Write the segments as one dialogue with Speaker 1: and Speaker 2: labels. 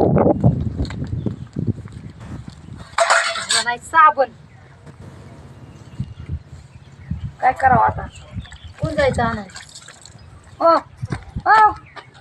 Speaker 1: नाही साबण काय करावं आता कोण जायचं आणाय ओ ओ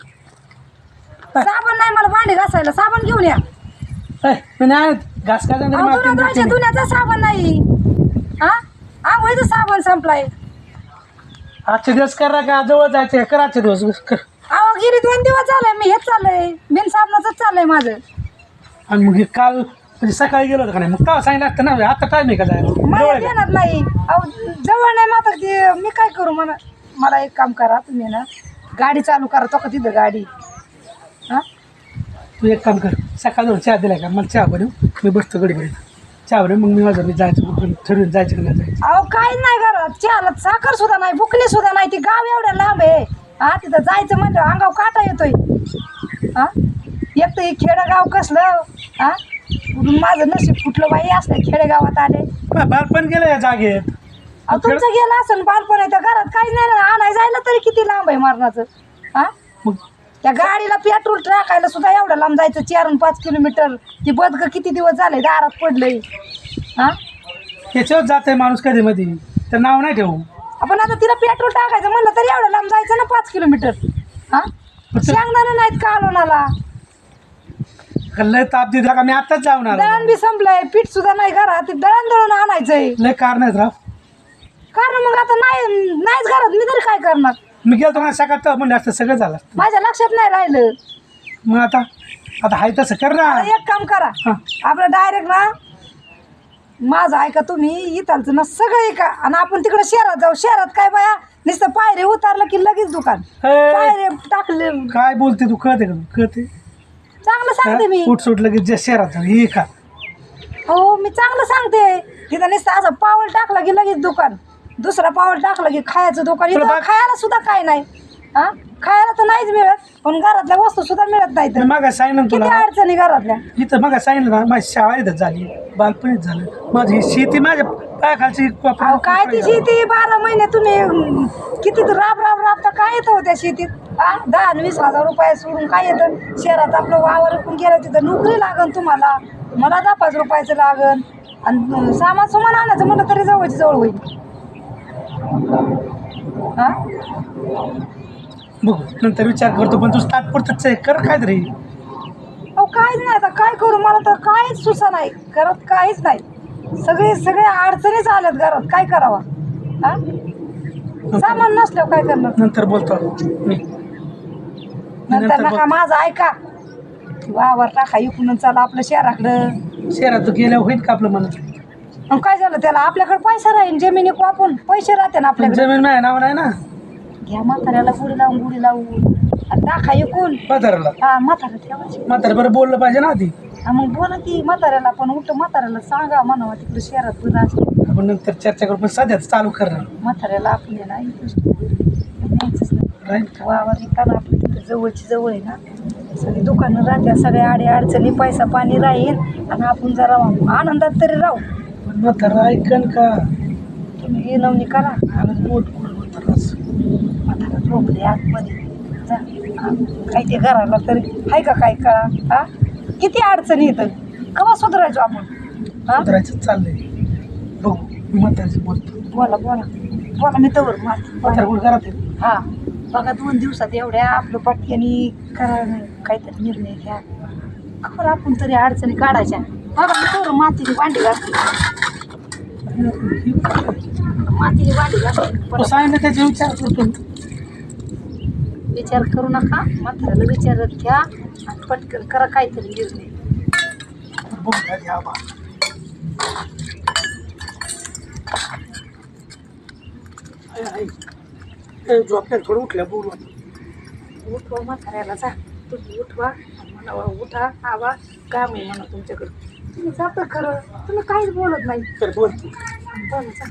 Speaker 1: साबण नाही मला भांडी घासायला साबण घेऊन या
Speaker 2: घास काय
Speaker 1: धुण्याचा साबण नाही हा आंघोळीचा साबण संपलाय
Speaker 2: आजचे दिवस करा का जवळ जायचे कर आजचे दिवस कर
Speaker 1: अहो गिरी 2 दिवस झाले मी हेच चाललंय बिन साबणाचंच चाललंय माझं
Speaker 2: आणि मग हे काल म्हणजे सकाळी गेलो होतं का नाही मग तेव्हा सांगितलं असतं ना आता टाईम आहे का जायला
Speaker 1: मला देणार नाही अहो जवळ नाही मात्र ते मी काय करू मला एक काम करा तुम्ही ना गाडी चालू करा तो का तिथं गाडी हा
Speaker 2: तू एक काम कर सकाळ जवळ चहा दिला का मला चहा बनव मी बसतो गडी चहा बनव मग मी माझं मी जायचं ठरवून जायचं का नाही जायचं
Speaker 1: अहो काही नाही घरात चहाला साखर सुद्धा नाही बुकली सुद्धा नाही ती गाव एवढ्या लांब आहे हा तिथं जायचं म्हणलं अंगाव काटा येतोय हा एक तर हे खेडेगाव कसलं हा माझं नशीब कुठलं बाई असलं खेडेगावात आले
Speaker 2: बालपण गेलं या जागेत
Speaker 1: अहो तुमचं गेलं असं बालपण आहे त्या घरात काहीच नाही ना आणाय जायला तरी किती लांब आहे मरणाचं हा
Speaker 2: मग
Speaker 1: त्या गाडीला पेट्रोल टाकायला सुद्धा एवढं लांब जायचं 4 आणि 5 किलोमीटर ती बदक किती दिवस झाले दारात पडलंय हा
Speaker 2: त्याच्यावर जात आहे माणूस कधी मध्ये तर नाव नाही ठेवू
Speaker 1: आपण आता तिला पेट्रोल टाकायचं म्हणलं तरी एवढं लांब जायचं ना 5 किलोमीटर हा सांगणार नाहीत का लोणाला
Speaker 2: लय ताप दिला का मी आताच जाऊन आलो
Speaker 1: दळण बी संपलंय पीठ सुद्धा नाही घरात दळण दळून आणायचंय
Speaker 2: लय कारण आहेत राव
Speaker 1: कारण मग आता नाहीच घरात मी तरी काय करणार
Speaker 2: मी गेलो तुम्हाला सकाळ म्हणलं असतं सगळं झालं असतं
Speaker 1: माझ्या लक्षात नाही राहिलं
Speaker 2: मग आता हाय तसं कर ना
Speaker 1: एक काम करा
Speaker 2: हा.
Speaker 1: आपलं डायरेक्ट ना माझं ऐका तुम्ही इथालचं ना सगळं ऐका आणि आपण तिकडे शहरात जाऊ शहरात काय बाया नुसतं पायरे उतारलं की लगेच दुकान पायरे टाकले
Speaker 2: काय बोलते तू कळते का कळते
Speaker 1: चांगलं सांगते मी
Speaker 2: उठ सुट लगेच जे शहरात हे का
Speaker 1: हो मी चांगलं सांगते तिथं नुसतं असं पाऊल टाकलं की लगेच दुकान दुसरा पाऊल टाकलं की खायचं दुकान इथं खायला सुद्धा काय नाही हा खायला तर नाहीच मिळत पण घरातल्या वस्तू सुद्धा मिळत नाही तर
Speaker 2: मग सांगितलं
Speaker 1: किती
Speaker 2: तुला
Speaker 1: अडचणी घरातल्या
Speaker 2: इथं मग सांगितलं ना माझी शाळा इथं झाली बालपणीच झालं माझी शेती माझ्या पायाखालची
Speaker 1: अहो काय ती शेती 12 महिने तुम्ही किती राब तर काय येतं हो त्या शेतीत हा 10 आणि 20 हजार रुपये सोडून काय येतं शहरात आपलं वावर विकून गेलं तिथं नोकरी लागन तुम्हाला मला 10-5 रुपयाचं लागन आणि सामान आणायचं म्हणलं तरी जवळची जवळ होईल हा
Speaker 2: बघू नंतर विचार करतो पण तू तात्पुरतच आहे कर काय तरी
Speaker 1: अहो काहीच नाही आता काय करू मला तर काहीच सुसा नाही घरात काहीच नाही सगळ्या अडचणीच आल्यात घरात काय करावं हा सामान नसल्यावर काय करणार
Speaker 2: नंतर बोलतो मी
Speaker 1: नंतर नका माझं ऐका वावर टाका इकडून चला आपलं शहराकडं
Speaker 2: शहरात तू गेल्यावर होईल का आपलं म्हणत
Speaker 1: मग काय झालं त्याला आपल्याकडे पैसा राहील जमिनी वापरून पैसे राहते ना आपल्याकडे
Speaker 2: जमीन माझ्या नाव नाही ना
Speaker 1: घ्या म्हाताऱ्याला गुढी लावून आणि टाका इकून
Speaker 2: म्हाताऱ्याला
Speaker 1: हा म्हातारा ठेवायची
Speaker 2: म्हातारा बरं बोललं पाहिजे ना आधी
Speaker 1: हा मग बोला ती म्हाताऱ्याला पण उलट म्हाताऱ्याला सांगा म्हणावं तिकडे शहरात बरं असतं
Speaker 2: आपण नंतर चर्चा करू पण सध्याच चालू करणार
Speaker 1: म्हाताऱ्याला आपले ना न्यायचंच नाही
Speaker 2: राईट
Speaker 1: वावर येताना आपलं तिथं जवळची जवळ आहे ना सगळी दुकानं राहत्या सगळ्या अडचणी पैसा पाणी राहील आणि आपण जरा आनंदात तरी राहू
Speaker 2: पण म्हातारा ऐकन का
Speaker 1: तुम्ही नवनी करा
Speaker 2: आणि पोट म्हाताराच
Speaker 1: म्हातारा झोपले आतमध्ये जा काही ते घराला तरी आहे का काय कळा हा किती अडचणी येतं केव्हा सुधारायचो आपण हा
Speaker 2: म्हाताराचं चाललंय बघू मी म्हाताराचं बोलतो
Speaker 1: बोला मी तवर
Speaker 2: म्हातारा कुठं घरात आहे
Speaker 1: हा बघा 2 दिवसात एवढ्या आपलं पटक्यानी करा काहीतरी निर्णय घ्या खबर आपण तरी अडचणी काढायच्या बघा मी तवर मातीची भांडी घासते मातीची भांडी घासते
Speaker 2: तो सांगितलं त्याचा विचार करतो
Speaker 1: विचार करू नका म्हाताऱ्याला विचारत घ्या आणि पटकन करा काहीतरी निर्णय
Speaker 2: बघू घ्या बा झोपल्या थोडं उठल्या बोलू
Speaker 1: उठवा म्हाताऱ्याला जा तुम्ही उठवा म्हणावा उठा आवा काम आहे म्हणा तुमच्याकडं तुम्ही जातं खरं तुम्ही काहीच बोलत नाही
Speaker 2: तर बोलतो
Speaker 1: बोला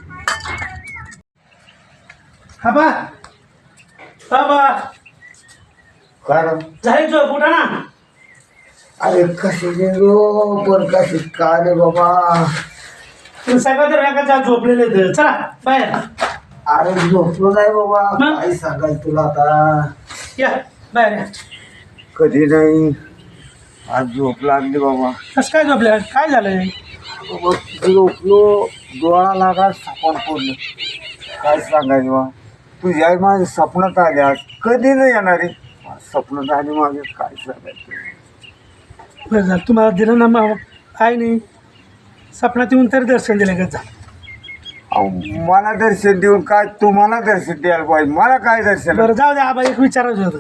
Speaker 2: हा बा
Speaker 3: काय
Speaker 2: झाली झोप उठा ना
Speaker 3: अरे कशी गेलो पण कशी काय रे बाबा
Speaker 2: तुम्ही सगळं तर एका झोपलेले आहेत. चला बाहेर
Speaker 3: अरे झोपलो नाही बाबा
Speaker 2: मग?
Speaker 3: काय सांगायचं तुला आता
Speaker 2: या बाहेर या
Speaker 3: कधी नाही आज झोप लागली बाबा.
Speaker 2: कसं काय झोपल्या? काय झालंय?
Speaker 3: बाबा झोपलो, डोळा लागा सापड पडलं. काय सांगायचं बा, तुझी आई माझ्या स्वप्नात आली आज. कधी नाही येणार आहे स्वप्नात आली माझ्या. काय सांगायचं.
Speaker 2: बरं झालं तुम्हाला दिलं ना मग. काय नाही स्वप्नात येऊन तरी दर्शन दिलं का?
Speaker 3: अहो, मला दर्शन देऊन काय तुम्हाला दर्शन द्यायला पाहिजे. मला काय दर्शन.
Speaker 2: बरं जाऊ द्या आबा, एक विचारायचं होतं.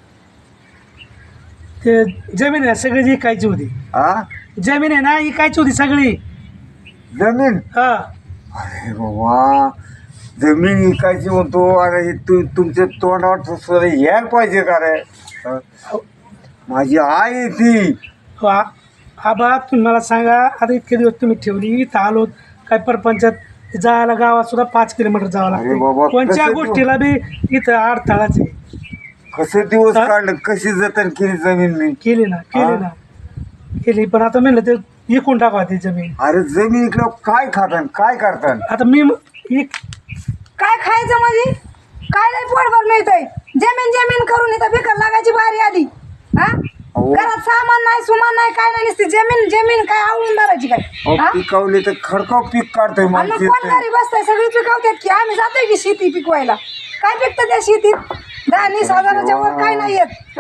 Speaker 2: ते जमीन आहे सगळी जी इकायची होती.
Speaker 3: हा
Speaker 2: जमीन आहे ना इकायची होती सगळी.
Speaker 3: जमीन.
Speaker 2: हा
Speaker 3: अरे बाबा जमीन विकायची म्हणतो. अरे हे तुमच्या तोंडावर सुद्धा यायला पाहिजे का रे. हं? माझी आई आहे ती.
Speaker 2: हो, आबा तुम्ही मला सांगा, आता इतके दिवस तुम्ही ठेवली इथं आलो, काय परपंचात जायला गावात सुद्धा 5 किलोमीटर जावं
Speaker 3: अरे बाबा,
Speaker 2: लागतं. कोणत्या
Speaker 3: कसं
Speaker 2: गोष्टीला बी इथं अडथळाच आहे.
Speaker 3: कसं दिवस
Speaker 2: हा?
Speaker 3: काढलं, कशी जतन केली जमीन मी.
Speaker 2: केली ना केली, पण आता म्हणलं ते विकून टाकावं ती जमीन.
Speaker 3: अरे जमीन इकडं काय खातात काय करतात.
Speaker 2: आता मी
Speaker 1: काय खायचं म्हणजे काय नाही पोटभर मिळतंय. जमीन करून इथं बिकर लागायची बारी आली. हा
Speaker 3: अहो.
Speaker 1: घरात सामान नाही सुमान नाही काय नाही, नुसती जमीन काय आवडून धरायची काय. हा?
Speaker 3: पिकवले तर खडकाव पीक काढतोय
Speaker 1: आणि मग कोण घरी बसताय, सगळी पिकवतात की आम्ही जातोय की शेती पिकवायला. काय पिकतं त्या शेतीत? 10-20 हजाराच्या वर काय नाही येत.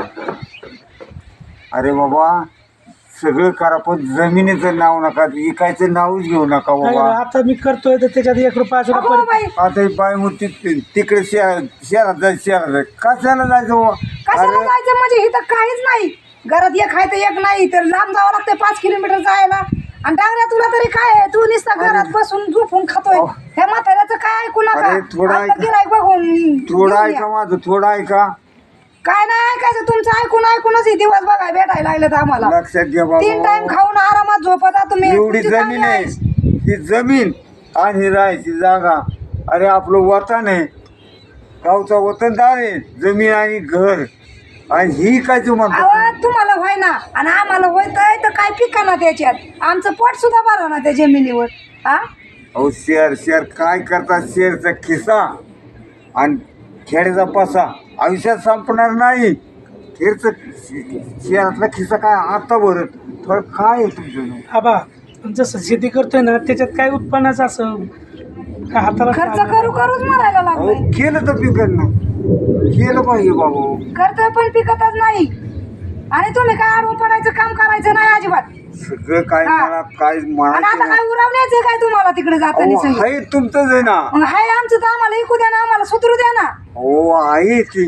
Speaker 3: अरे बाबा सगळं करा पण जमिनीचं नाव नका, विकायचं नावच घेऊ नका बाबा.
Speaker 2: आता मी करतोय तर त्याच्यात 1 रुपया सुद्धा
Speaker 1: अगो बाई,
Speaker 3: आता ही बाय मूर्ती तिकडे शहरात जायचं कशाला जायचं बाबा.
Speaker 1: कशाला
Speaker 3: अरे
Speaker 1: जायचं म्हणजे इथं काहीच नाही. घरात एक आहे तर एक नाही, तर लांब जावं लागतंय 5 किलोमीटर जायला. आणि डांगऱ्या तुला तरी काय आहे, तू नुसता घरात बसून झोपून खातोय. ह्या म्हाताऱ्याचं काय ऐकू नका.
Speaker 3: अरे थोडं
Speaker 1: आता गिऱ्हाईक बघून
Speaker 3: थोडं
Speaker 1: घेऊन
Speaker 3: ऐका
Speaker 1: या.
Speaker 3: माझं, थोडं ऐका.
Speaker 1: काय नाही ऐकायचं तुमचं, ऐकूनच हे दिवस बघाय भेटायला लागलेत आम्हाला.
Speaker 3: लक्षात घ्या
Speaker 1: 3 टाइम
Speaker 3: बाबा.
Speaker 1: खाऊन आरामात झोपता तुम्ही.
Speaker 3: एवढी
Speaker 1: तुमची चांगली
Speaker 3: जमीन आहे,
Speaker 1: आयुष.
Speaker 3: ही जमीन आणि ही राहायची जागा. अरे आपलं वतन आहे, गावचा वतनदार आहे. जमीन आणि घर आणि ही काय तू म्हणतो.
Speaker 1: अहो, तुम्हाला होय ना आणि आम्हाला होतंय तर काय पिका ना त्याच्यात. आमचं पोट सुद्धा भरा ना त्या जमिनीवर. हा
Speaker 3: अहो शेअर काय करतात. शेअरचा खिसा आणि खेड्याचा पसा आयुष्यात संपणार नाही. खेळचं शेअरातला खिसा काय आता भरत. थोडं काय आहे तुमचं.
Speaker 2: आबा जसं शेती करतोय ना त्याच्यात काय उत्पन्नाचं असं काय हाताला
Speaker 1: खर्च करूच मरायला
Speaker 3: अहो
Speaker 1: लागलोय.
Speaker 3: केलं तर पिकल ना, केलं पाहिजे बाबा.
Speaker 1: करतोय पण पिकतच नाही. आणि तुम्ही काय आडवं पडायचं काम करायचं नाही अजिबात.
Speaker 3: सगळं काय
Speaker 1: हा.
Speaker 3: मला काय
Speaker 1: आणि
Speaker 3: म्हणायचं
Speaker 1: आता
Speaker 3: ना.
Speaker 1: काय उरावण्याचं काय तुम्हाला तिकडे जाताना
Speaker 3: अहो
Speaker 1: सगळं.
Speaker 3: आहे तुमचंच आहे ना.
Speaker 1: हाय आमचं तर आम्हाला ऐकू द्या ना, आम्हाला सुधरू द्या ना.
Speaker 3: हो आहे ती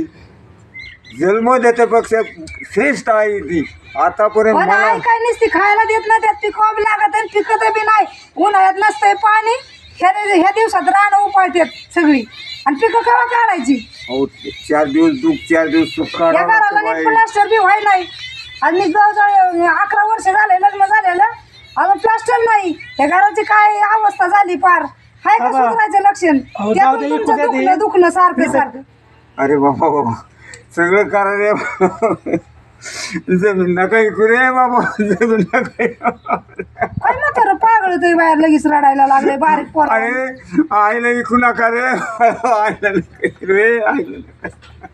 Speaker 3: जन्म देण्यापेक्षा श्रेष्ठ आहे ती. आतापर्यंत
Speaker 1: पण
Speaker 3: मला
Speaker 1: आई काय नुसती खायला देत नाही, त्यात पिकवा बी लागत आणि पिकत बी नाही. उन्हाळ्यात नसतंय पाणी, ह्या दिवसात रानं उपाळतात सगळी आणि पिकं केव्हा काढायची.
Speaker 3: अहो 4 दिवस दुःख 4 दिवस सुख
Speaker 1: या घराला नीट
Speaker 3: काढावं.
Speaker 1: प्लास्टर बी व्हाय नाही. आणि मी जवळजवळ 11 वर्ष झाले लग्न झालेलं, अजून प्लास्टर नाही. या घराची काय अवस्था झाली पार. हाय का
Speaker 2: बाबा.
Speaker 1: सुधारायचं लक्षण.
Speaker 2: अहो,
Speaker 1: त्यातून
Speaker 2: जाऊ दे,
Speaker 1: तुमचं
Speaker 2: ऐकू द्या ते.
Speaker 1: दुखणं सारखं.
Speaker 3: अरे बाबा बाबा सगळं करा रे. जमीन नका ऐकू रे बाबा. जमीन नका ऐकू.
Speaker 1: काय म्हातारं पागळ होतंय बाहेर लगेच रडायला लागले बारीक पोर.
Speaker 3: अरे आईला ऐकू नका रे. आईला नका ऐकू रे. आईला नका.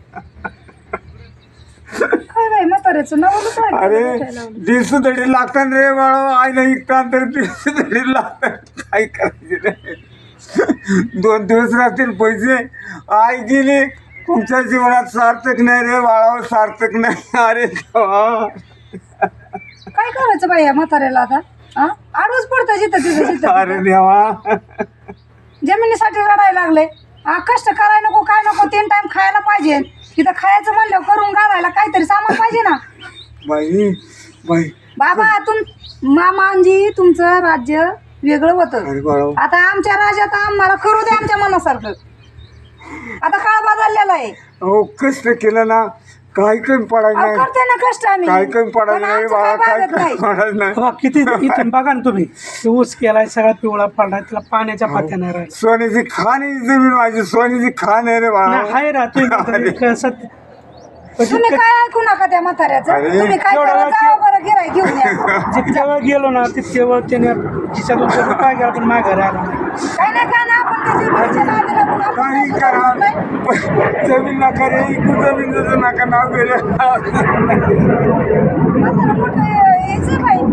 Speaker 1: काय बाई म्हाताऱ्याचं नाव
Speaker 3: अरे दिवसधडी लागतात रे बाळा. आईला ऐकतात तर दिवसधडी लागतात. काय करायचे रे. 2 दिवस राहतील पैसे. आई गेली तुमच्या जीवनात सार्थक नाही रे बाळा, सार्थक नाही. अरे देवा.
Speaker 1: काय करायचं बाई या म्हाताऱ्याला आता. हा आडूच पडतं जिथं
Speaker 3: अरे देवा.
Speaker 1: जमिनीसाठी रडायला लागले. हा कष्ट करायला नको काय नको, 3 टाइम खायला पाहिजे. तिथं खायचं म्हणलं करून घालायला काहीतरी सामान पाहिजे ना.
Speaker 3: बाई बाई.
Speaker 1: बाबा मामांजी तुमचं राज्य वेगळं होतं.
Speaker 3: अरे बाळा.
Speaker 1: आता आमच्या राज्यात आम्हाला करू दे आमच्या मनासारखं. आता काळ बदललेला आहे.
Speaker 3: अहो कष्ट केलं ना काही कमी पडायचं
Speaker 1: अहो,
Speaker 3: नाही.
Speaker 1: करते ना कष्ट आम्ही.
Speaker 3: काही कमी पडायचं
Speaker 1: पण
Speaker 3: नाही
Speaker 1: आमचं
Speaker 3: बाळा.
Speaker 1: काय
Speaker 3: काय
Speaker 1: भागत नाही.
Speaker 3: कमी पडायचं नाही.
Speaker 2: बाबा किती इथून बघा ना तुम्ही, ते ऊस केलाय सगळा पिवळा पडलाय, त्याला पाण्याच्या पात्या नाही राहिल्या.
Speaker 3: सोन्याची खाण आहे जमीन माझी. सोन्याची खाण आहे रे बाळा.
Speaker 2: नाही, आहे ना तुम्ही सत्य.
Speaker 1: तुम्ही काय ऐकू नका त्या म्हाताऱ्याचं.
Speaker 3: अरे,
Speaker 1: तुम्ही काय
Speaker 2: एवढं
Speaker 1: करा,
Speaker 2: वाटतं.
Speaker 1: जावा बरं गिऱ्हाईक घेऊन या.
Speaker 2: जितक्या वेळ गेलो ना तितक्या वेळ त्याने खिशातून सगळं काय केलं पण माझ्या घरी आला नाही.
Speaker 1: काय नाही काय ना आपण त्याची भाजी नादी लागून आपण
Speaker 3: काही
Speaker 1: काय
Speaker 3: करा
Speaker 1: सुद्धा नाही.
Speaker 3: पण जमीन नका रे इकू जमीन जसं नका नाव गेलं
Speaker 1: म्हातारं मोठं यायचं बाई.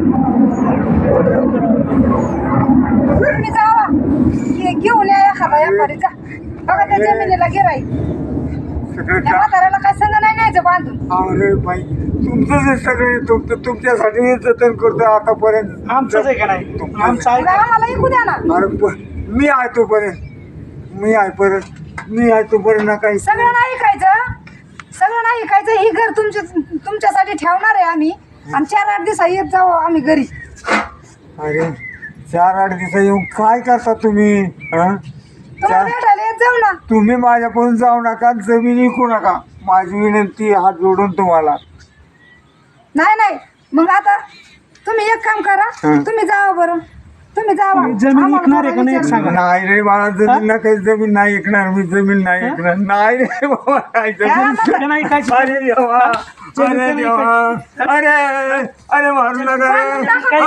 Speaker 1: तुम्ही जावा घेऊन या एखादा व्यापारी जा बघा त्या जमिनीला गिराई.
Speaker 3: सगळं
Speaker 1: त्या म्हाताऱ्याला काय संग नाही न्यायचं बांधून.
Speaker 3: अरे बाई तुमचं जे सगळे तुमच्यासाठी हे जतन करतो आतापर्यंत
Speaker 2: आमचंच आहे का नाही आमचं आहे
Speaker 1: मग आम्हाला ऐकू द्या ना.
Speaker 3: अरे मी आहे तोपर्यंत मी आहे तोपर्यंत ना काही
Speaker 1: सगळं नाही ऐकायचं, सगळं नाही ऐकायचं. ही घर तुमच्यासाठी ठेवणार आहे आम्ही आणि 4-8 दिवस येत जाऊ आम्ही घरी.
Speaker 3: अरे 4-8 दिवस येऊन काय करता तुम्ही हं?
Speaker 1: तुम्हाला भेटायला येत जाऊ ना.
Speaker 3: तुम्ही माझ्याकडून जाऊ नका जमीन विकू नका माझी विनंती हात जोडून तुम्हाला.
Speaker 1: नाही मग आता तुम्ही एक काम करा,
Speaker 3: हं.
Speaker 1: तुम्ही जावा बरं, तुम्ही जावा.
Speaker 2: जमीन
Speaker 1: आम्हाला
Speaker 2: विकणार आहे का नाही एक
Speaker 1: विचार-
Speaker 2: सांगा.
Speaker 3: नाही रे मला जमीन ना काही जमीन नाही ऐकणार मी जमीन नाही ऐकणार नाही रे बाबा नाही जमीन.
Speaker 2: का नाही काय
Speaker 3: अरे देवा अरे देवा अरे मारू नका रे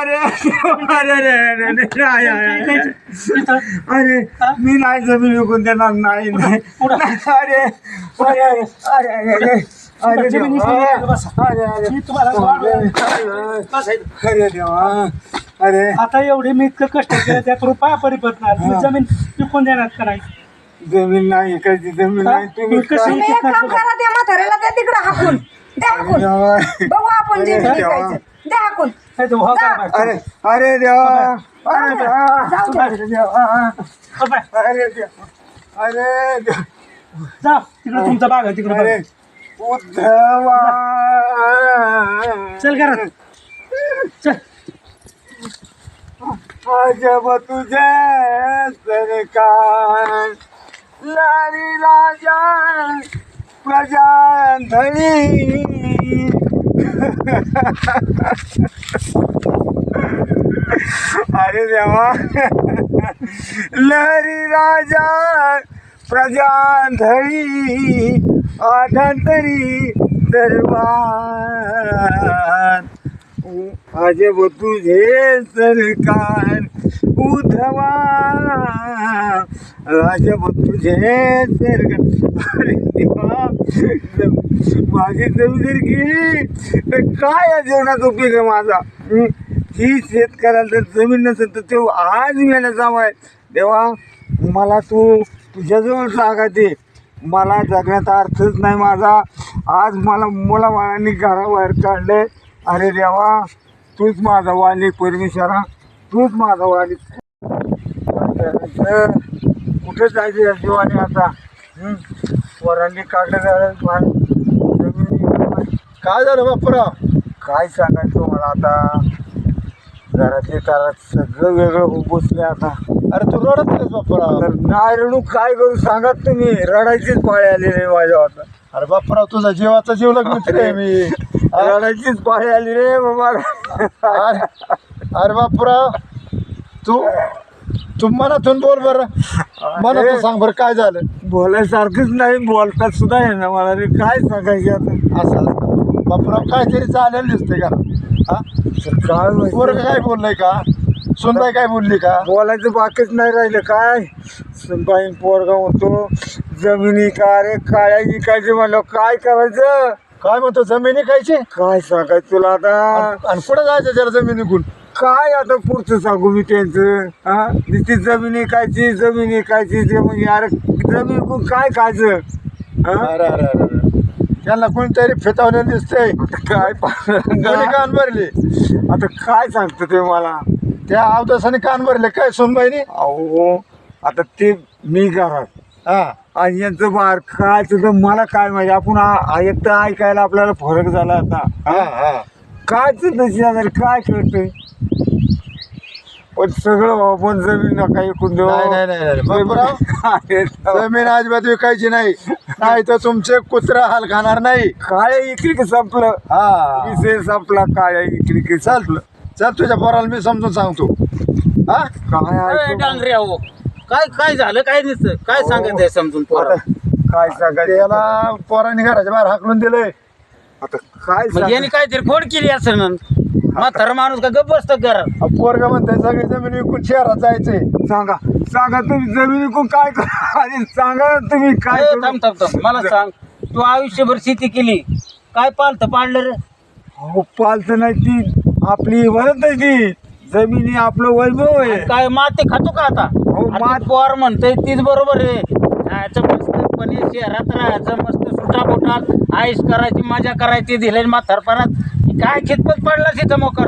Speaker 3: अरे मी नाही जमीन विकून देणार नाही अरे अरे अरे अरे अरे
Speaker 2: जमीन विकून
Speaker 3: देवा
Speaker 2: द्या, बसा.
Speaker 3: अरे अरे
Speaker 2: मी तुम्हाला
Speaker 3: अरे देवा अरे
Speaker 2: आता एवढे मी इतकं कष्ट केलं त्यात रुपया परिपत नाही तुम्ही जमीन विकून देणार का नाही.
Speaker 3: जमीन नाही इकडची जमीन नाही तुम्ही
Speaker 2: कशी-
Speaker 3: काय-
Speaker 1: तुम्ही एक काम करा, त्या म्हाताऱ्याला द्या तिकडं हाकून, द्या हाकून.
Speaker 3: देवा.
Speaker 1: बघू आपण जे
Speaker 3: अरे
Speaker 1: विकायचं, द्या हाकून.
Speaker 2: नाही तर भाव करा बाहेर.
Speaker 3: अरे अरे देवा अरे देवा
Speaker 1: जाऊ द्या.
Speaker 3: अरे देवा
Speaker 2: हो बाय.
Speaker 3: अरे देवा अरे देवा
Speaker 2: जा तिकडे तुमचा बाग आहे तिकडे
Speaker 3: अरे
Speaker 2: बघा.
Speaker 3: उद्धवा
Speaker 2: चल घरात चल.
Speaker 3: अजब तुझे सरकार लारी राजा प्रजा धनी अरे देवा लहरी राजा प्रजा धनी आधांतरी दरबार अजब तुझे सरकार उद्धवा अजब तुझे सरकार अरे देवा माझी जमीन जर गेली तर काय या जेवणाचा उपयोग आहे माझा ही शेतकऱ्याला जर जमीन नसेल तर ते आज मेला जावाय देवा मला तुझ्याजवळ जागा दे मला जगण्याचा अर्थच नाही माझा आज मला मुलाबाळांनी घराबाहेर काढले अरे देवा तूच माझा वाली परमेश्वरा तूच माझा वाली कुठं जायचं या जीवाने आता वरांनी काढलं
Speaker 4: काय झालं बापरा
Speaker 3: काय सांगायचं मला आता घरातले घरात सगळं वेगळं होऊन बसले आता
Speaker 4: अरे तू रडत नाहीस बापरा
Speaker 3: तर नाही रडू काय करू सांगा तुम्ही रडायचीच पाळी आली रे माझ्या आता
Speaker 4: अरे बापरा तुझा जीवाचा जीवलग मित्र आहे मी
Speaker 3: रडायचीच पाळी आली रे बाबा
Speaker 4: अरे बापरा तू मनातून बोल बरं मनातून सांग बरं काय झालं
Speaker 3: बोलायसारखंच नाही बोलतात सुद्धा आहे ना मला रे काय सांगायचं आता
Speaker 4: असं बापरा काहीतरी चालेल दिसते का हा
Speaker 3: काय
Speaker 4: पोरं काय बोललंय का सुनबाई काय बोलली का
Speaker 3: बोलायचं बाकीच नाही राहिलं काय सुनबाई पोरगा होतो जमिनी का रे काळ्या विकायचे म्हणलं काय करायचं
Speaker 4: काय म्हणतो जमिनी कायची
Speaker 3: काय सांगायचं तुला आता
Speaker 4: आणि पुढे जायचं त्याला जमिनीकून
Speaker 3: काय आता पुढचं सांगू मी त्यांचं हा नुसती जमीन ऐकायची ते म्हणजे अरे जमीन कोण काय खायचं हा?
Speaker 4: अरे अरे अरे अरे. त्यांना कोणतरी फेतावलेलं दिसतंय
Speaker 3: काय
Speaker 4: कोणी कान भरले
Speaker 3: आता काय सांगतो ते मला
Speaker 4: त्या अवदासाने कान भरले काय सुनबाईनी
Speaker 3: अहो आता ते मी घरात
Speaker 4: हा
Speaker 3: आणि यांचं बाहेर काय तर मला काय माहिती आपण एकटं ऐकायला आपल्याला फरक झाला आता
Speaker 4: हा हा
Speaker 3: काय तर काय कळतंय पण सगळं आपण जमीन नका ऐकून देऊ
Speaker 4: नाही, नाही, नाही, नाही. बापराव, जमीन अजिबात विकायची नाही तर तुमचे कुत्रा हाल खाणार नाही
Speaker 3: काळ्या इकडे संपलं
Speaker 4: हा
Speaker 3: विषय संपला काळ्या इकडे संपलं
Speaker 4: चल तुझ्या पोराला मी समजून सांगतो हा
Speaker 3: काय
Speaker 5: अरे
Speaker 3: ऐकू?
Speaker 5: डांगरे अहो काय काय झालं काय दिसतं काय सांगत आहे समजून पोरा
Speaker 3: आता काय सांगायचं
Speaker 4: त्याला पोरांनी घराच्या बाहेर हाकलून दिलंय
Speaker 3: आता काय
Speaker 5: मग याने काहीतरी खोड केली असं म्हातारा माणूस का गप्प बसतं घरात.
Speaker 4: पोरगा म्हणताय सगळी जमीन विकून शहरात जायचंय.
Speaker 3: सांगा सांगा तुम्ही जमिनी कोण काय करा आणि सांगा ना तुम्ही काय
Speaker 5: ए,
Speaker 3: करू?
Speaker 5: थांब थांब थांब मला सांग, तू आयुष्यभर शेती केली, काय पालतं पाडलं रे?
Speaker 3: अहो पालत नाही ती आपली वरत आहे ती जमिनी आपलं वैभव आहे.
Speaker 5: काय माती खातो का आता?
Speaker 3: हो,
Speaker 5: आता पोर म्हणतोय तीच बरोबर आहे. जायचं मस्तपणे शहरात राहायचं, मस्त सुटा बोटात आईश करायची, मजा करायची, दिले म्हातारपणात काय खितपत पडला तिथं मोकर.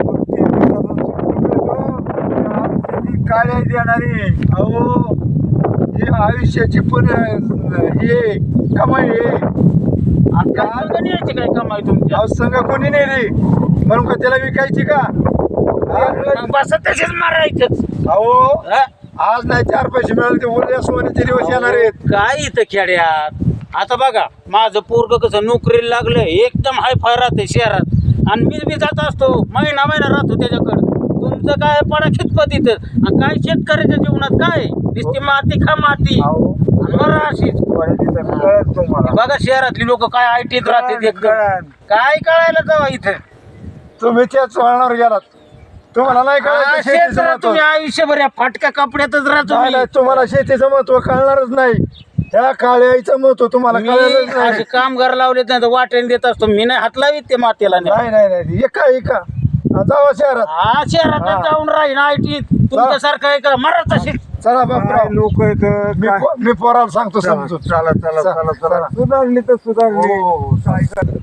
Speaker 3: काळ्या देणारी
Speaker 4: अहो ही आयुष्याची पण हे कमाई आहे.
Speaker 5: आणि काय संग न्यायची काय कमाई तुमच्या?
Speaker 4: अहो संघ कोणी नाही रे म्हणून का त्याला विकायची का?
Speaker 5: मग बस तसेच मारायचंच.
Speaker 4: अहो
Speaker 5: हा?
Speaker 4: आज नाही 4 पैसे मिळाले ते उद्या सोन्याचे दिवस येणार आहेत.
Speaker 5: काय इथं खेड्यात आता बघा, माझं पोरग कसं नोकरीला लागलं, एकदम हाय फाय राहते शहरात, आणि मी बी जात असतो, महिना राहतो त्याच्याकडं. तुमचं काय पडा खितपत इथं, आणि काय शेतकऱ्याच्या जीवनात काय नुसती माती खा माती आणि मरा अशीच.
Speaker 3: तुम्हाला
Speaker 5: बघा शहरातली लोक काय आयटीत राहते एकदम,
Speaker 3: कळलं.
Speaker 5: काय कळायला जावा इथं.
Speaker 4: तुम्ही त्याच वळणावर गेलात. तुम्हाला नाही कळायचं शेतीचं
Speaker 5: शेतात
Speaker 4: महत्व.
Speaker 5: तुम्ही आयुष्यभर या फाटक्या कपड्यातच राहतो.
Speaker 4: नाही, नाही, तुम्हाला शेतीचं महत्व कळणारच नाही. ह्या काळ्याचं महत्व तुम्हाला
Speaker 5: मी
Speaker 4: कळायलाच
Speaker 5: असे
Speaker 4: नाही.
Speaker 5: कामगार लावलेत नाही तर वाटेन देत असतो, मी नाही हात लावीत ते मातेला नाही.
Speaker 4: नाही नाही नाही एका जावा शहरात.
Speaker 5: हा शहरात
Speaker 4: हा.
Speaker 5: जाऊन राहीन आयटीत तुमच्यासारखं आहे का मरा तशीच.
Speaker 4: चला बापराव
Speaker 3: लोक
Speaker 4: मी पोराला सांगतो समजून.
Speaker 3: चला चला चला चला सुधारली तर सुधारली.
Speaker 4: हो,
Speaker 3: काय कर-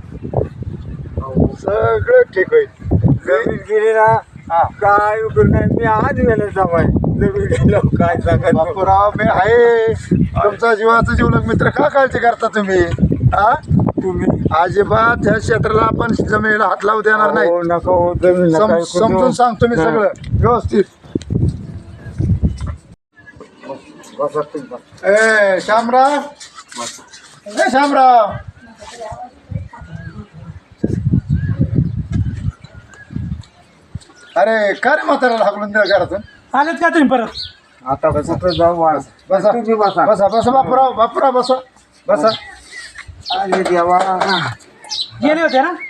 Speaker 4: सगळं ठीक होईल.
Speaker 3: जमीन गेली ना काय उपयोग नाही. मी आज गेले जावाय जमीन गेलो काय सांगायचं.
Speaker 4: बापूराव मी आहे तुमचा जीवाचा जीवलग मित्र. का काळजी करता तुम्ही? हा
Speaker 3: तुम्ही
Speaker 4: अजिबात ह्या क्षेत्राला आपण जमिनीला हात लावू देणार नाही.
Speaker 3: हो, नका हो जमीन नका ऐकू
Speaker 4: समजून
Speaker 3: देऊ.
Speaker 4: सांगतो मी सगळं व्यवस्थित.
Speaker 3: बसा तुम्ही बसा.
Speaker 4: ए शामराव, ए शामराव, अरे का रे म्हाताऱ्याला हाकलून दिलं घरातून?
Speaker 2: आलेत का तुम्ही परत?
Speaker 3: आता कुठं जाऊ वाज.
Speaker 4: बसा
Speaker 3: तुम्ही बसा.
Speaker 4: बसा बसा बापूराव, बापूराव बसा बसा.
Speaker 3: अरे देवा.
Speaker 2: गेले होते ना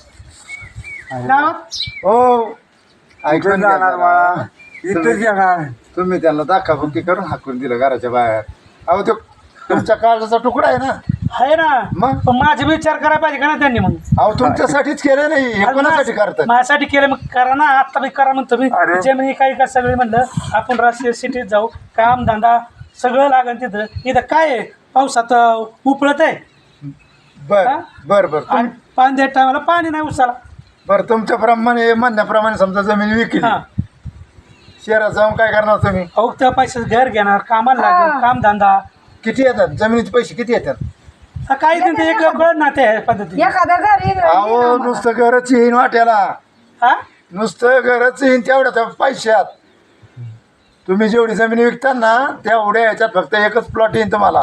Speaker 2: गावात?
Speaker 4: हो
Speaker 3: कुठं
Speaker 4: ऐकून
Speaker 3: जाणार
Speaker 4: घ्या.
Speaker 3: बाळा इथंच येणार.
Speaker 4: तुम्ही त्यांना दाखाबुक्की करून हाकून दिलं घराच्या बाहेर. अहो तो तुमच्या काळजाचा तुकडा आहे ना.
Speaker 2: आहे ना,
Speaker 4: मग?
Speaker 2: पण माझे विचार करायला पाहिजे का ना त्यांनी? मग
Speaker 4: अहो तुमच्यासाठीच केलं नाही, हे कोणासाठी करतात?
Speaker 2: माझ्यासाठी केलं, मग करा ना, आता बी करा म्हणतो मी.
Speaker 3: अरे.
Speaker 2: जमिनी काही का सगळे म्हणलं आपण राष्ट्रीय सिटीत जाऊ, काम धंदा सगळं लागेल तिथं. इथं काय आहे, पावसात उपळत आहे
Speaker 4: बर
Speaker 2: हा?
Speaker 4: बर बर
Speaker 2: आणि पाणी द्या टायमाला पाणी नाही उसाला.
Speaker 4: बर तुमच्या प्रमाणे म्हणण्याप्रमाणे समजा जमीन विकली,
Speaker 2: हा,
Speaker 4: शहरात जाऊन काय करणार तुम्ही?
Speaker 2: अहो त्या पैशाचं घर घेणार, कामाला लागेल, काम धंदा
Speaker 4: किती येतात जमिनीचे पैसे किती येतात?
Speaker 2: काही नाही, एक कळत ना त्या पद्धती.
Speaker 1: एखाद्या घरी
Speaker 4: अहो नुसतं घरच येईन वाट्याला,
Speaker 2: हा,
Speaker 4: नुसतं घरच येईन तेवढ्या त्या पैशात. तुम्ही जेवढी जमीन विकता ना तेवढ्या ह्याच्यात फक्त एकच प्लॉट येईन तुम्हाला.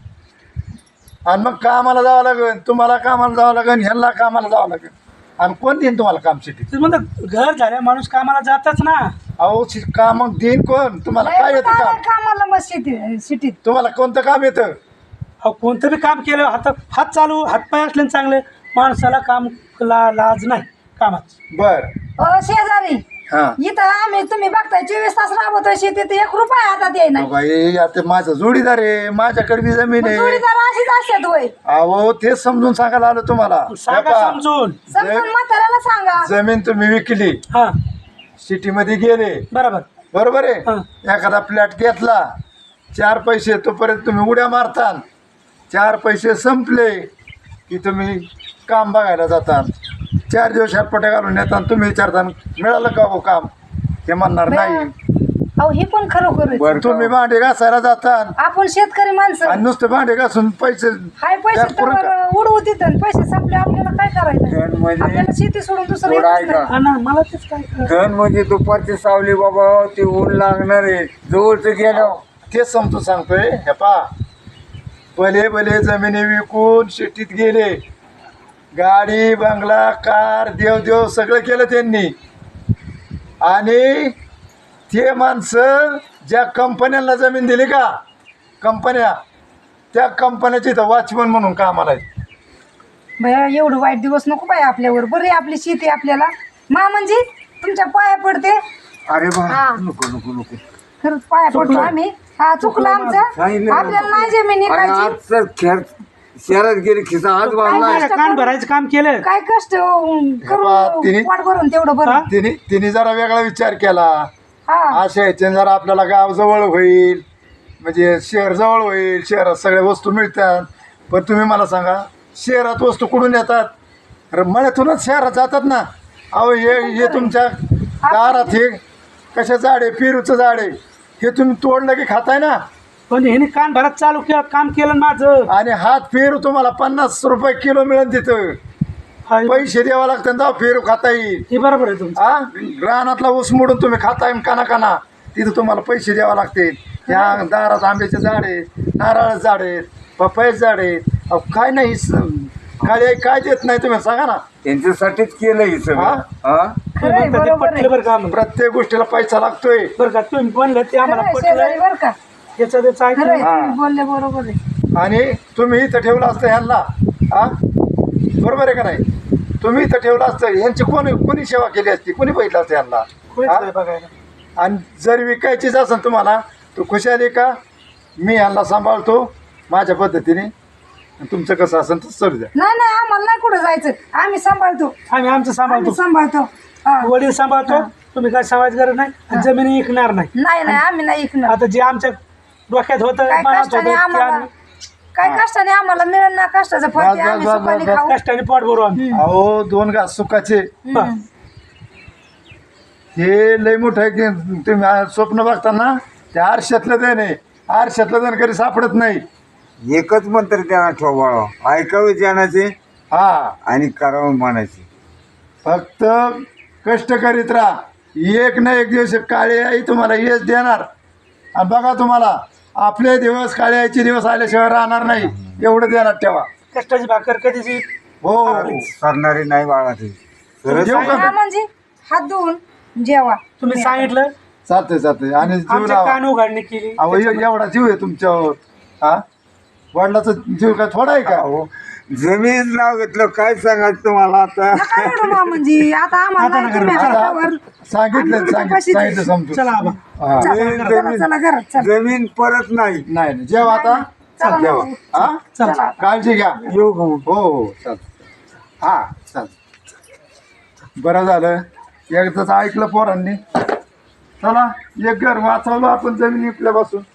Speaker 4: आणि मग कामाला जावं लागेल, तुम्हाला कामाला जावं लागेल, ह्यांना कामाला जावं लागेल. आणि कोण देईन तुम्हाला काम सिटीत?
Speaker 2: ते म्हणतात घर झाल्या माणूस कामाला जातच ना.
Speaker 4: अहो काम देईन कोण तुम्हाला? काय येतं काम?
Speaker 1: कामाला मग सिटीत
Speaker 4: तुम्हाला कोणतं काम येतं?
Speaker 2: अहो कोणतं बी काम केलं, हात चालू हातपाय असले चांगले, माणसाला काम लाज नाही कामात.
Speaker 4: बर
Speaker 1: शेजारी
Speaker 4: हा
Speaker 1: इथं आम्ही तुम्ही बघताय 24 तास राबवतोय शेतीत, 1 रुपया हातात येई नाही.
Speaker 4: बाई आता माझा जोडीदार आहे, माझ्याकडे बी जमीन आहे.
Speaker 1: जोडीदार अशीच असतात होय.
Speaker 4: अहो तेच समजून सांगायला आलो तुम्हाला.
Speaker 2: सांगा
Speaker 4: हे पहा,
Speaker 2: समजून.
Speaker 1: समजून म्हाताऱ्याला सांगा.
Speaker 4: जमीन तुम्ही विकली,
Speaker 2: हा
Speaker 4: सिटीमध्ये गेले,
Speaker 2: बरोबर.
Speaker 4: बरोबर
Speaker 2: हा.
Speaker 4: आहे. एखादा फ्लॅट घेतला, 4 पैसे तोपर्यंत तुम्ही उड्या मारता. 4 पैसे संपले की तुम्ही काम बघायला जातात. 4 दिवस हातपट्या घालून येतात. तुम्ही विचारता मिळालं का हो काम? ते म्हणणार नाही.
Speaker 1: अहो हे पण खरोखर
Speaker 3: बरं
Speaker 4: तुम्ही भांडे घासायला जातात
Speaker 1: आपण शेतकरी माणसं
Speaker 4: आणि नुसते भांडे घासून पैसे
Speaker 1: हाय पैसे
Speaker 4: त्यात पुरं का?
Speaker 1: तर उडवू तिथं, पैसे संपले आपल्याला काय करायचं?
Speaker 3: धन म्हणजे
Speaker 1: आपल्याला शेती सोडून दुसरं
Speaker 3: थोडं
Speaker 1: येतच
Speaker 3: ऐका.
Speaker 1: नाही.
Speaker 2: हा ना, मला तेच काय कळलं.
Speaker 3: धन म्हणजे दुपारची सावली बाबा, ती ऊन लागणार आहे. जवळच गेलो
Speaker 4: तेच समजून सांगतोय. हे पा भले भले जमिनी विकून शेतीत गेले, गाडी बंगला कार देव देव सगळं केलं त्यांनी. आणि ते माणसं ज्या कंपन्यांना जमीन दिली का, कंपन्या, त्या कंपन्याची इथं वॉचमन म्हणून कामाला आहेत.
Speaker 1: भया एवढं वाईट दिवस नको बाई आपल्यावर. बरी आपली शेती आपल्याला मा म्हणजे तुमच्या पाया पडते.
Speaker 3: अरे बा
Speaker 1: हा.
Speaker 3: नको नको नको
Speaker 1: खरंच पाया पडतो आम्ही. हा चुकलं आमचं. आपल्याला नाही जमीन
Speaker 3: आणि
Speaker 1: विकायची.
Speaker 3: आजचं खेळ शहरात गेली खिसा आज बांधलाय
Speaker 1: कष्ट
Speaker 2: कान भरायचं काम केलं.
Speaker 1: काय कष्ट करून
Speaker 4: तिने-
Speaker 1: पोट भरून तेवढं बरं.
Speaker 4: तिने जरा वेगळा विचार केला.
Speaker 1: हा
Speaker 4: अशा ह्याच्याने जरा आपल्याला गाव जवळ होईल, म्हणजे शहर जवळ होईल, शहरात सगळ्या वस्तू मिळतात. पण तुम्ही मला सांगा, शहरात वस्तू कुठून येतात? अरे मळ्यातूनच शहरात जातात ना. अहो हे तुमच्या दारात हे कशा झाड आहे, पेरूचं झाड आहे, हे तुम्ही तोडलं की खाताय ना.
Speaker 2: पण ह्याने कान भरात चालू केलं, काम केलं माझं.
Speaker 4: आणि हात पेरू तुम्हाला 50 रुपये किलो मिळेल तिथं.
Speaker 2: हाय.
Speaker 4: पैसे द्यावा लागतात तेव्हा पेरू खाता येईल.
Speaker 2: हे बरोबर आहे तुमचं.
Speaker 4: हा रानातला ऊस मोडून तुम्ही खाताय काना तिथं तुम्हाला पैसे द्यावे लागतील. ह्या दारात आंब्याचे झाड आहेत, नारळाचे झाड आहेत, पपयाचे झाड आहेत. अहो काय नाही काळी आई काय देत नाही तुम्ही सांगा ना.
Speaker 3: त्यांच्यासाठीच केलं हे सगळं
Speaker 4: हा?
Speaker 3: हा
Speaker 1: खरं आहे,
Speaker 2: म्हणतात ते
Speaker 1: बरोबर आहे.
Speaker 2: पटलं बरं का आम्हाला.
Speaker 4: प्रत्येक गोष्टीला पैसा लागतोय.
Speaker 2: बरं का तुम्ही म्हणलं ते आम्हाला
Speaker 1: खरं आहे, शेजारी
Speaker 2: पटलं.
Speaker 1: बरं का.
Speaker 2: याचं त्याचं
Speaker 1: खरं आहे,
Speaker 2: ऐकलं.
Speaker 1: तुम्ही बोलले बरोबर आहे.
Speaker 4: आणि तुम्ही इथं ठेवलं असतं ह्यांना. हा बरोबर आहे का नाही? तुम्ही इथं ठेवलं असतं ह्यांची कोणी सेवा केली असती, कोणी बघितलं असतं ह्यांना.
Speaker 2: कोणीच
Speaker 4: हा?
Speaker 2: नाही बघायला.
Speaker 4: आणि जर विकायचीच असेल तुम्हाला तर खुशाली का मी ह्यांना सांभाळतो माझ्या पद्धतीने, आणि तुमचं कसं असेल तर चालू द्या.
Speaker 1: नाही नाही आम्हाला नाही कुठं जायचं. आम्ही सांभाळतो.
Speaker 2: आम्ही आमचं सांभाळतो.
Speaker 1: आम्ही सांभाळतो. हा.
Speaker 2: वडील सांभाळतो. तुम्ही काय सांभाळायची गरज नाही. आणि जमिनी विकणार नाही.
Speaker 1: नाही नाही आम्ही नाही ऐकणार.
Speaker 2: आता जे आमच्या डोक्यात होतं,
Speaker 1: काय
Speaker 2: मनात
Speaker 1: कष्टाने
Speaker 2: होतं, ते
Speaker 1: आम्हाला
Speaker 2: आम्ही
Speaker 1: काय कष्टाने आम्हाला मिळेल ना कष्टाचं फळ ते
Speaker 4: बस,
Speaker 1: आम्ही
Speaker 4: बस, बस,
Speaker 1: सुखाने
Speaker 4: बस,
Speaker 1: खाऊ.
Speaker 2: कष्टाने पोट भरू आम्ही.
Speaker 4: अहो 2 घास सुखाचे
Speaker 1: हम्म.
Speaker 4: हे लय मोठं आहे की तुम्ही स्वप्न बघताना ते आरशातलं देण आहे. आरशातलं देण कधी सापडत नाही.
Speaker 3: एकच मंत्र त्यांना ठोबाळा ऐकावे जाण्याचे
Speaker 4: हा
Speaker 3: आणि करावं म्हणायचे.
Speaker 4: फक्त कष्ट करीत राहा. एक ना एक दिवस काळी आई तुम्हाला यश देणार. आणि बघा तुम्हाला आपले दिवस काळी आईचे दिवस आल्याशिवाय राहणार नाही, एवढं देणार ठेवा.
Speaker 2: कष्टाची भाकर कधीच
Speaker 4: हो
Speaker 3: करणारे नाही बाळा ते खरंच
Speaker 4: जेवू
Speaker 1: हा
Speaker 4: का?
Speaker 1: म्हणजे हात धुवून जेवा.
Speaker 2: तुम्ही सांगितलं.
Speaker 4: चालतंय आणि जीव
Speaker 2: आमच्या
Speaker 4: लावा.
Speaker 2: कान उघडणी केली.
Speaker 4: अहो एवढा जीव आहे तुमच्यावर. हा वडिलाचा जीव काय थोडा आहे का?
Speaker 3: अहो, जमीन नाव घेतलं काय सांगायचं तुम्हाला आता.
Speaker 1: काय एवढं मा म्हणजे आता आम्हाला नाही तुम्ही हातावर.
Speaker 4: सांगितलं समजून.
Speaker 2: चला आबा.
Speaker 4: हा
Speaker 1: चला चला घरात चला.
Speaker 3: जमीन परत नाही.
Speaker 4: नाही जेव आता.
Speaker 1: चला
Speaker 4: जेवा.
Speaker 1: मग.
Speaker 4: हा
Speaker 1: चला.
Speaker 4: काळजी घ्या.
Speaker 3: येऊ का मग?
Speaker 4: हो चाल. हा चाल. बरं झालं एकदाच ऐकलं पोरांनी. चला एक घर वाचवलं आपण जमीन विकल्यापासून.